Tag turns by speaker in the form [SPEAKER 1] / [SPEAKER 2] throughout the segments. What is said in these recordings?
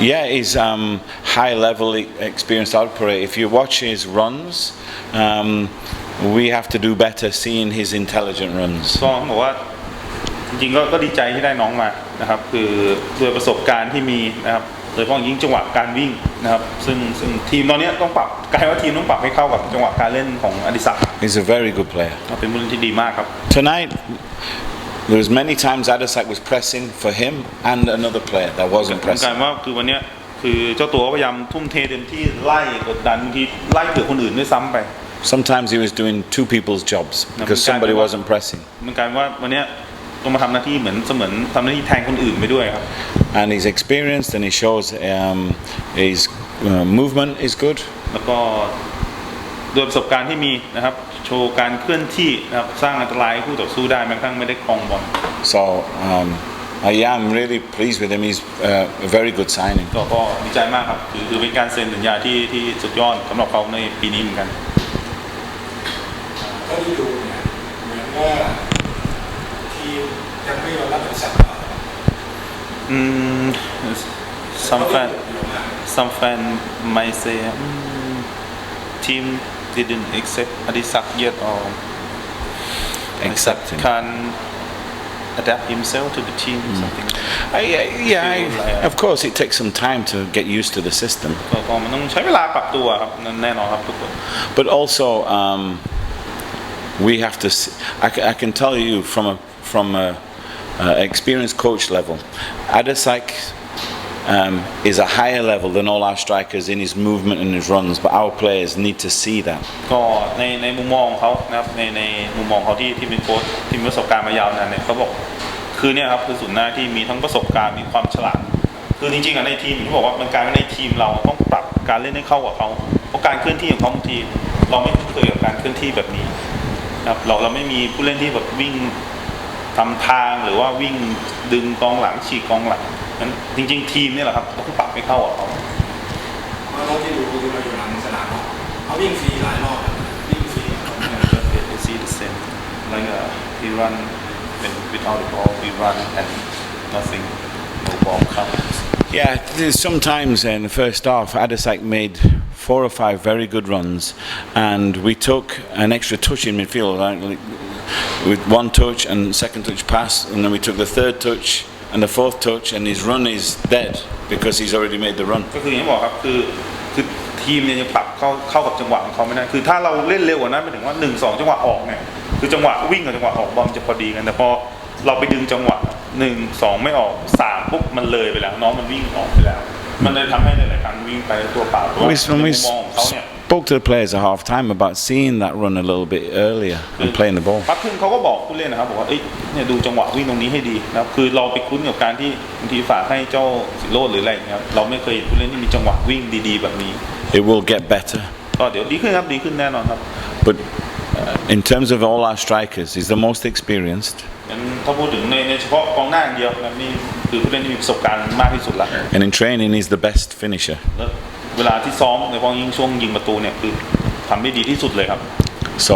[SPEAKER 1] Yeah, he's high level experienced operator. If you watch his runs, we have to do better seeing his intelligent runs.
[SPEAKER 2] ก็บอกว่าจริงๆก็ดีใจที่ได้น้องมานะครับคือด้วยประสบการณ์ที่มีนะครับโดยเฉพาะยิ่งจังหวะการวิ่งนะครับซึ่งทีมตอนนี้ต้องปรับกลายว่าทีมต้องปรับให้เข้ากับจังหวะการเล่นของอดิศักดิ์
[SPEAKER 1] He's a very good player.
[SPEAKER 2] เป็นผู้เล่นที่ดีมากครับ
[SPEAKER 1] Tonight, there was many times Adisak was pressing for him and another player that wasn't
[SPEAKER 2] กลาย
[SPEAKER 1] pressing.
[SPEAKER 2] ว่าคือวันนี้คือเจ้าตัวพยายามทุ่มเทเต็มที่ไล่กดดันบางทีไล่เผื่อคนอื่นด้วยซ้ำไป
[SPEAKER 1] Sometimes he was doing two people's jobs because somebody wasn't pressing.
[SPEAKER 2] มันกลายว่าวันนี้ต้องมาทำหน้าที่เหมือนทำหน้าที่แทนคนอื่นไปด้วยครับ
[SPEAKER 1] And he's experienced and he shows his movement is good.
[SPEAKER 2] แล้วก็ด้วยประสบการณ์ที่มีนะครับโชว์การเคลื่อนที่นะครับสร้างอันตรายให้คู่ต่อสู้ได้แม้กระทั่งไม่ได้ครองบอล
[SPEAKER 1] So I am really pleased with him. He's a very good signing.
[SPEAKER 2] ก็ดีใจมากครับคือเป็นการเซ็นสัญญาที่สุดยอดสำหรับเขาในปีนี้เหมือนกัน
[SPEAKER 3] ก็ที่ดูเนี่ยเหมือนว่าทีมยังไม่ยอมรับคำสั่ง
[SPEAKER 2] some fan might say team didn't accept Adisak yet or
[SPEAKER 1] Accept him.
[SPEAKER 2] can adapt himself to the team something
[SPEAKER 1] of course it takes some time to get used to the system.
[SPEAKER 2] ก็มันต้องใช้เวลาปรับตัวครับแน่นอนครับทุกคน
[SPEAKER 1] But also we have to I can tell you from a experienced coach level, Adisak is a higher level than all our strikers in his movement and his runs, but our players need to see that.
[SPEAKER 2] ก็ในมุมมองของเขานะครับในมุมมองเขาที่เป็นโค้ชที่มีประสบการณ์มายาวนานเนี่ยเขาบอกคือเนี่ยครับคือศูนย์หน้าที่มีทั้งประสบการณ์มีความฉลาดคือจริงๆในทีมที่บอกว่ามันการในทีมเราต้องปรับการเล่นให้เข้ากับเขาเพราะการเคลื่อนที่ของเขาบางทีเราไม่เคยกับการเคลื่อนที่แบบนี้นะครับเราไม่มีผู้เล่นที่แบบวิ่งทำทางหรือว่าวิ่งดึงกองหลังฉีกกองหลังนั้นจริงๆทีมนี่แหละครับต้องปรับให้เข้ากับเขา
[SPEAKER 3] เพราะเราที่ดูคือเราอยู่หลังสนามเขาวิ่งฟรีหลายรอบวิ่งฟรี
[SPEAKER 2] they see the same like he run without the ball we run and nothing no ball comes
[SPEAKER 1] Yeah, sometimes in the first half Adisak made 4 or 5 very good runs and we took an extra touch in midfield, right? With one touch and second touch pass, and then we took the third touch and the fourth touch, and his run is dead because he's already made the run.
[SPEAKER 2] ก็คืออย่างที่บอกครับคือทีมเนี่ยยังปรับเข้ากับจังหวะของเขาไม่ได้คือถ้าเราเล่นเร็วกว่านั้นไปถึงว่า1-2จังหวะออกเนี่ยคือจังหวะวิ่งกับจังหวะออกบอลจะพอดีกันแต่พอเราไปดึงจังหวะ1-2ไม่ออก3ปุ๊บมันเลยไปแล้วน้องมันวิ่งออกไปแล้วมันเลยทำให้หลายๆครั้งวิ่งไปตัวเปล่าตัวในมุมมองของเขาเนี่ย
[SPEAKER 1] spoke to the players at half time about seeing that run a little bit earlier and playing the ball.
[SPEAKER 2] พักครึ่งเขาก็บอกผู้เล่นนะครับบอกว่าเนี่ยดูจังหวะวิ่งตรงนี้ให้ดีนะครับคือเราไปคุ้นกับการที่บางทีฝากให้เจ้าสิโรจน์หรืออะไรอย่างเงี้ยเราไม่เคยผู้เล่นที่มีจังหวะวิ่งดีๆแบบนี้
[SPEAKER 1] It will get better.
[SPEAKER 2] ก็เดี๋ยวดีขึ้นครับดีขึ้นแน่นอนครับ
[SPEAKER 1] But in terms of all our strikers, he's the most experienced.
[SPEAKER 2] ถ้าพูดถึงในเฉพาะกองหน้าอย่างเดียวนะนี่คือผู้เล่นที่มีประสบการณ์มากที่สุดละ
[SPEAKER 1] And in training, he's the best finisher.
[SPEAKER 2] เวลาที่ซ้อมในพอยิงช่วงยิงประตูเนี่ยคือทำได้ดีที่สุดเลยครับ
[SPEAKER 1] So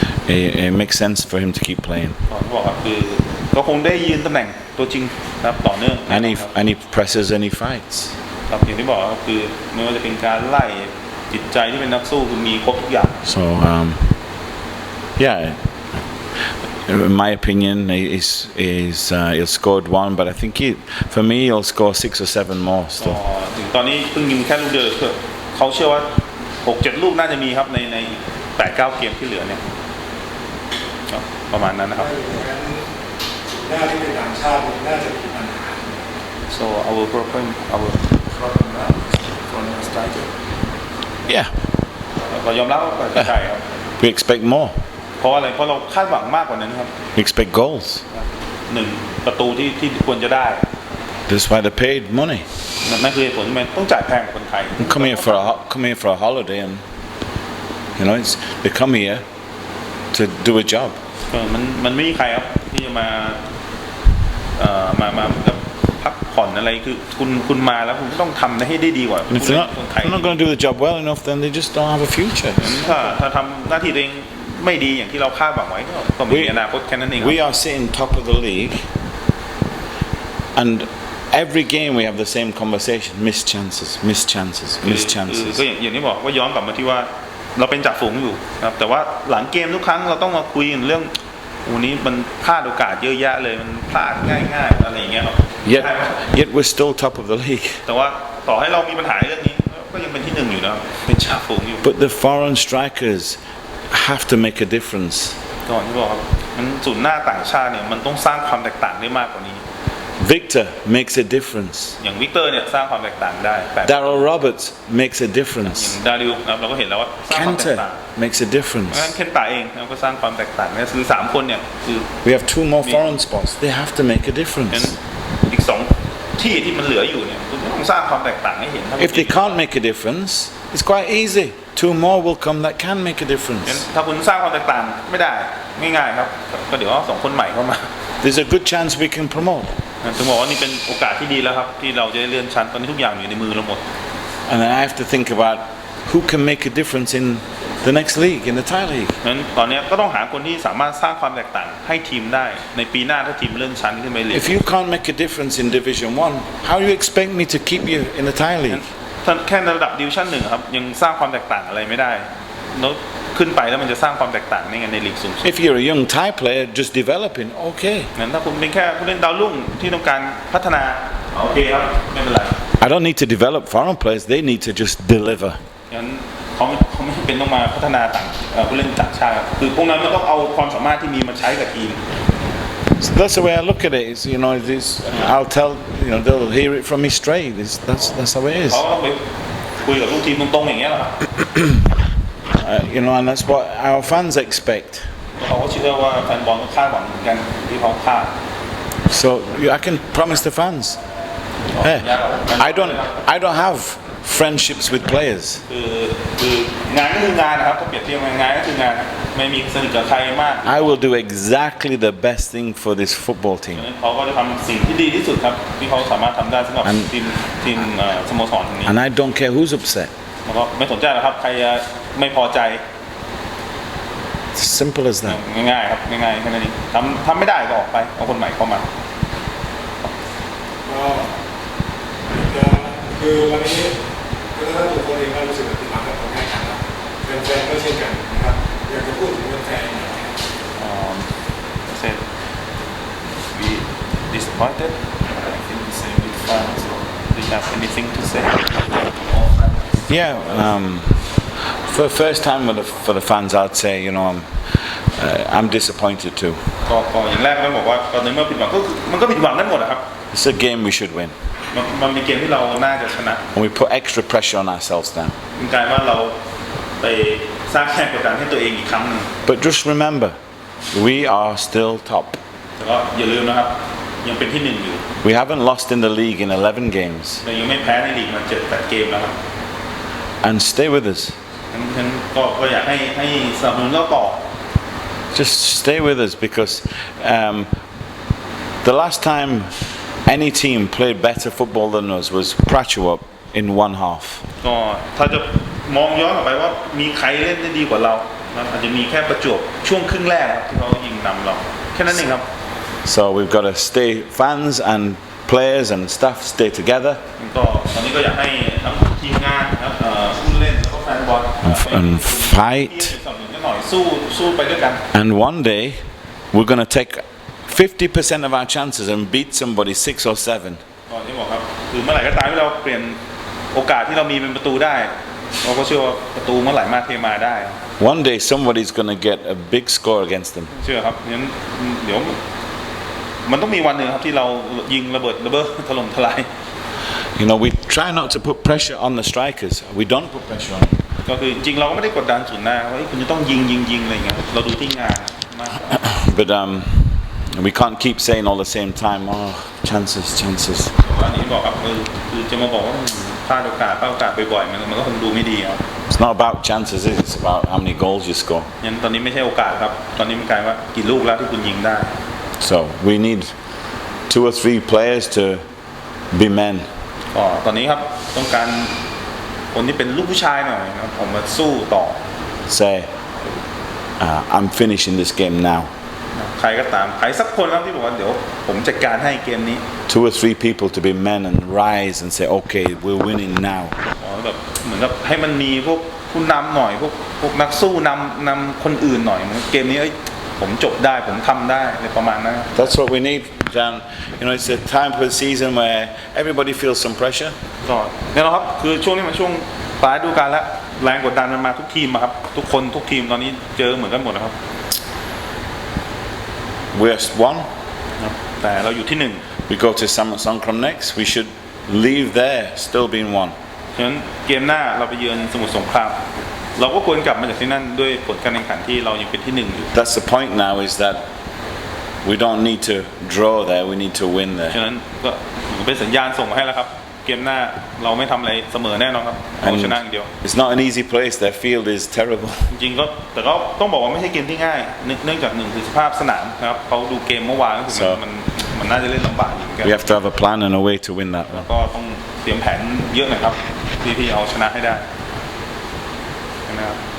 [SPEAKER 1] it makes sense for him to keep playing.
[SPEAKER 2] ก็บอกครับคือก็คงได้ยืนตำแหน่งตัวจริงนะครับต่อเนื่อง
[SPEAKER 1] And he presses and he fights.
[SPEAKER 2] ครับอย่างที่บอกครับคือไม่ว่าจะเป็นการไล่จิตใจที่เป็นนักสู้คือมีครบทุกอย่าง
[SPEAKER 1] So yeah. In my opinion, he'll scored 1, but I think for me, he'll score 6 or 7 more still.
[SPEAKER 2] ถึงตอนนี้เพิ่งยิงแค่ลูกเดียวเขาเชื่อว่า 6-7 ลูกน่าจะมีครับใน 8-9 เกมที่เหลือเนี่ยประมาณนั้นนะครับ
[SPEAKER 3] หน้าที่เป็นต่างชาติน่าจะมีปัญหา
[SPEAKER 2] so our problem from striker
[SPEAKER 1] Yeah.
[SPEAKER 2] เรายอมรับว่าใช่ครับ
[SPEAKER 1] We expect more.
[SPEAKER 2] เพราะอะไรเพราะเราคาดหวังมากกว่านั้นครับ
[SPEAKER 1] We expect goals.
[SPEAKER 2] 1 ประตูที่ควรจะได้
[SPEAKER 1] That's why they paid money.
[SPEAKER 2] นั่นคือเหตุผลที่มันต้องจ่ายแพงกว่าคนไทย
[SPEAKER 1] Come here for a holiday, and they come here to do a job.
[SPEAKER 2] มันไม่มีใครครับที่จะมาพักผ่อนอะไรคือคุณมาแล้วคุณต้องทำให้ได้ดีกว่า
[SPEAKER 1] And if they're not going to do the job well enough, then they just don't have a future.
[SPEAKER 2] ถ้าทำหน้าที่ตัวเองไม่ดีอย่างที่เราคาดหวังไว้ก็มีอนาคตแค่นั้นเอง
[SPEAKER 1] We are sitting top of the league, and every game we have the same conversation: missed chances, missed chances, missed
[SPEAKER 2] คือ
[SPEAKER 1] chances.
[SPEAKER 2] ก็อย่างที่บอกว่าย้อนกลับมาที่ว่าเราเป็นจ่าฝูงอยู่นะครับแต่ว่าหลังเกมทุกครั้งเราต้องมาคุยกันเรื่องวันนี้มันพลาดโอกาสเยอะแยะเลยมันพลาดง่ายๆอะไรอย่างเงี้ยครับ
[SPEAKER 1] Yet we're still top of the league.
[SPEAKER 2] แต่ว่าต่อให้เรามีปัญหาเรื่องนี้ก็ยังเป็นที่หนึ่งอยู่นะครับเป็นจ่าฝูงอยู่
[SPEAKER 1] But the foreign strikers have to make a difference.
[SPEAKER 2] ก่อนที่บอกครับมันศูนย์หน้าต่างชาติเนี่ยมันต้องสร้างความแตกต่างได้มากกว่านี้
[SPEAKER 1] Victor makes a difference.
[SPEAKER 2] อย่างวิกเตอร์เนี่ยสร้างความแตกต่างได้แบบ
[SPEAKER 1] Daryl Roberts makes a difference.
[SPEAKER 2] ดาริวนะครับเราก็เห็นแล้วว่าสร้างความแตก
[SPEAKER 1] Kenta
[SPEAKER 2] ต่าง
[SPEAKER 1] makes a difference.
[SPEAKER 2] งั้นเคนตาเองนะครับก็สร้างความแตกต่างเนี่ยคือ3คนเนี่ยคือ
[SPEAKER 1] We have 2 more foreign spots. They have to make a
[SPEAKER 2] งั้น
[SPEAKER 1] difference.
[SPEAKER 2] อีก2ที่ที่มันเหลืออยู่เนี่ยคุณต้องสร้างความแตกต่างให้เห็น
[SPEAKER 1] If they can't make a difference, it's quite easy. 2 more will come that can make a
[SPEAKER 2] งั้น
[SPEAKER 1] difference.
[SPEAKER 2] ถ้าคุณสร้างความแตกต่างไม่ได้ง่ายๆครับก็เดี๋ยวเอา2คนใหม่เข้ามา
[SPEAKER 1] There's a good chance we can promote.
[SPEAKER 2] ถึงบอกว่านี่เป็นโอกาสที่ดีแล้วครับที่เราจะได้เลื่อนชั้นตอนนี้ทุกอย่างอยู่ในมือเราหมด
[SPEAKER 1] And then I have to think about who can make a difference in the next league, in the Thai league.
[SPEAKER 2] งั้นตอนนี้ก็ต้องหาคนที่สามารถสร้างความแตกต่างให้ทีมได้ในปีหน้าถ้าทีมเลื่อนชั้นขึ้นไปเลย
[SPEAKER 1] If you can't make a difference in Division 1, how do you expect me to keep you in the Thai league?
[SPEAKER 2] ถ้าแค่ระดับดิวชั่น1ครับยังสร้างความแตกต่างอะไรไม่ได้แล้วขึ้นไปแล้วมันจะสร้างความแตกต่างในไงในลีกสูงสุด
[SPEAKER 1] If you're a young Thai player just developing, okay.
[SPEAKER 2] งั้นถ้าคุณเป็นแค่ผู้เล่นดาวรุ่งที่ต้องการพัฒนาโอเคครับไม่เป็นไร
[SPEAKER 1] I don't need to develop foreign players, they need to just deliver.
[SPEAKER 2] งั้นเขาไม่จำเป็นต้องมาพัฒนาต่างผู้เล่นต่างชาติครับคือพวกนั้นก็ต้องเอาความสามารถที่มีมาใช้กับทีม
[SPEAKER 1] So that's the way I look at it. Is I'll tell they'll hear it from me straight. That's how it is.
[SPEAKER 2] เขาก็ไปคุยกับลูกทีมตรงๆอย่างเงี้ยแหละครับ
[SPEAKER 1] And that's what our fans expect.
[SPEAKER 2] เขาก็เชื่อว่าแฟนบอลก็คาดหวังเหมือนกันที่เขาคาด
[SPEAKER 1] So I can promise the fans. Hey, I don't have friendships with players.
[SPEAKER 2] คืองานก็คืองานนะครับถ้าเปรียบเทียบงานก็คืองานไม่มีสนิทกับใครมาก
[SPEAKER 1] I will do exactly the best thing for this football team.
[SPEAKER 2] เขาก็จะทำสิ่งที่ดีที่สุดครับที่เขาสามารถทำได้สำหรับทีมสโมสรนี้
[SPEAKER 1] And I don't care who's upset.
[SPEAKER 2] แล้วก็ไม่สนใจหรอกครับใครไม่พอใจ
[SPEAKER 1] It's as simple as that.
[SPEAKER 2] ง่ายๆครับง่ายๆแค่นั้นเองทำไม่ได้ก็ออกไปเอาคนใหม่เข้ามา
[SPEAKER 3] ก็คือวันนี้ก็ถ้าตัวคนเองก็รู้สึกผิดหวังกับผลงานการนะแฟนๆก็เช่นกันนะครับอยากจะพูดถึงแฟนๆหน่อย
[SPEAKER 2] said we disappointed I think the same with fans do you have anything to say
[SPEAKER 1] Yeah. For the first time for the fans, I'd say I'm disappointed too.
[SPEAKER 2] ก็อย่างแรกต้องบอกว่าตอนนี้เมื่อผิดหวังก็คือมันก็ผิดหวังกันหมดนะครับ
[SPEAKER 1] It's a game we should win.
[SPEAKER 2] มันเป็นเกมที่เราน่าจะชนะ
[SPEAKER 1] And we put extra pressure on ourselves now.
[SPEAKER 2] มันกลายว่าเราไปสร้างแรงกดดันให้ตัวเองอีกครั้งหนึง
[SPEAKER 1] But just remember, we are still top.
[SPEAKER 2] แต่ก็อย่าลืมนะครับยังเป็นที่หนึ่งอยู่
[SPEAKER 1] We haven't lost in the league in 11 games.
[SPEAKER 2] เรายังไม่แพ้ในลีกมา7-8เกมแล้วครับ
[SPEAKER 1] And stay with us.
[SPEAKER 2] งั้นก็อยากให้สนับสนุนเราต่อ
[SPEAKER 1] Just stay with us because the last time any team played better football than us was Prachuap in one half.
[SPEAKER 2] ก็ถ้าจะมองย้อนกลับไปว่ามีใครเล่นได้ดีกว่าเรานะอาจจะมีแค่ประจวบช่วงครึ่งแรกครับที่เขายิงนำเราแค่นั้นเองครับ
[SPEAKER 1] So we've got to stay, fans and players and staff stay together.
[SPEAKER 2] ก็ตอนนี้ก็อยากให้ทั้งทีมงานนะครับผู้เล่นแล้วก็แฟนบอล
[SPEAKER 1] And fight.
[SPEAKER 2] ที่สนับสนุนกันหน่อยสู้ไปด้วยกัน
[SPEAKER 1] And one day we're going to take 50% of our chances and beat somebody 6 or 7.
[SPEAKER 2] ก่อนที่บอกครับคือเมื่อไหร่ก็ตามที่เราเปลี่ยนโอกาสที่เรามีเป็นประตูได้เราก็เชื่อว่าประตูเมื่อไหร่มาเทมาได้
[SPEAKER 1] One day somebody's going to get a big score against them.
[SPEAKER 2] เชื่อครับงั้นเดี๋ยวมันต้องมีวันหนึ่งครับที่เรายิงระเบิดถล่มทลาย
[SPEAKER 1] We try not to put pressure on the strikers. We don't put pressure on them.
[SPEAKER 2] ก็คือจริงเราก็ไม่ได้กดดันศูนย์หน้าว่าคุณจะต้องยิงอะไรอย่างเงี้ยเราดูที่งานมาก
[SPEAKER 1] But we can't keep saying all the same time, chances.
[SPEAKER 2] อันนี้บอกครับคือจะมาบอกว่าพลาดโอกาสบ่อยๆมันก็คงดูไม่ดีครับ
[SPEAKER 1] It's not about chances, it's about how many goals you score.
[SPEAKER 2] งั้นตอนนี้ไม่ใช่โอกาสครับตอนนี้มันกลายว่ากี่ลูกแล้วที่คุณยิงได้
[SPEAKER 1] So we need 2 or 3 players to be men.
[SPEAKER 2] ก็ตอนนี้ครับต้องการคนที่เป็นลูกผู้ชายหน่อยนะครับผมมาสู้ต่อ
[SPEAKER 1] Say, I'm finishing this game now.
[SPEAKER 2] เใครก็ตามใครสักคนแล้วที่บอกว่าเดี๋ยวผมจัดการให้เกมนี้
[SPEAKER 1] 2 or 3 people to be men and rise and say, okay, we're winning now.
[SPEAKER 2] อ๋อแบบเหมือนกับให้มันมีพวกผู้นำหน่อยพวกนักสู้นำคนอื่นหน่อยเหมือนเกมนี้เอ้ยผมจบได้ผมทำได้ในประมาณนั้น
[SPEAKER 1] That's what we need, Jan. You know, it's a time for the season where everybody feels some pressure.
[SPEAKER 2] ก็เนี่ยนะครับคือช่วงนี้มันช่วงปลายฤดูกาลแล้วแรงกดดันมันมาทุกทีมอะครับทุกคนทุกทีมตอนนี้เจอเหมือนกันหมดนะครับ
[SPEAKER 1] We're one.
[SPEAKER 2] แต่เราอยู่ที่หนึ่ง
[SPEAKER 1] We go to Songkram next. We should leave there still being one.
[SPEAKER 2] ฉะนั้นเกมหน้าเราไปเยือนสมุทรสงครามเราก็ควรกลับมาจากที่นั่นด้วยผลการแข่งขันที่เรายังเป็นที่หนึ่งอยู่
[SPEAKER 1] That's the point now, is that we don't need to draw there, we need to win
[SPEAKER 2] ฉะ
[SPEAKER 1] there.
[SPEAKER 2] นั้นก็เป็นสัญญาณส่งมาให้แล้วครับเกมหน้าเราไม่ทำอะไรเสมอแน่นอนครับเอาชนะอย่างเดียว
[SPEAKER 1] It's not an easy place, their field is terrible.
[SPEAKER 2] จริงๆก็แต่ก็ต้องบอกว่าไม่ใช่เกมที่ง่ายเนื่องจากหนึ่งคือสภาพสนามนะครับเขาดูเกมเมื่อวานก็คือมันน่าจะเล่นลำบากอยู่เหมือนกัน
[SPEAKER 1] We have to have a plan and a way to win that one.
[SPEAKER 2] ก็ต้องเตรียมแผนเยอะหน่อยครับที่เอาชนะให้ได้นะครับ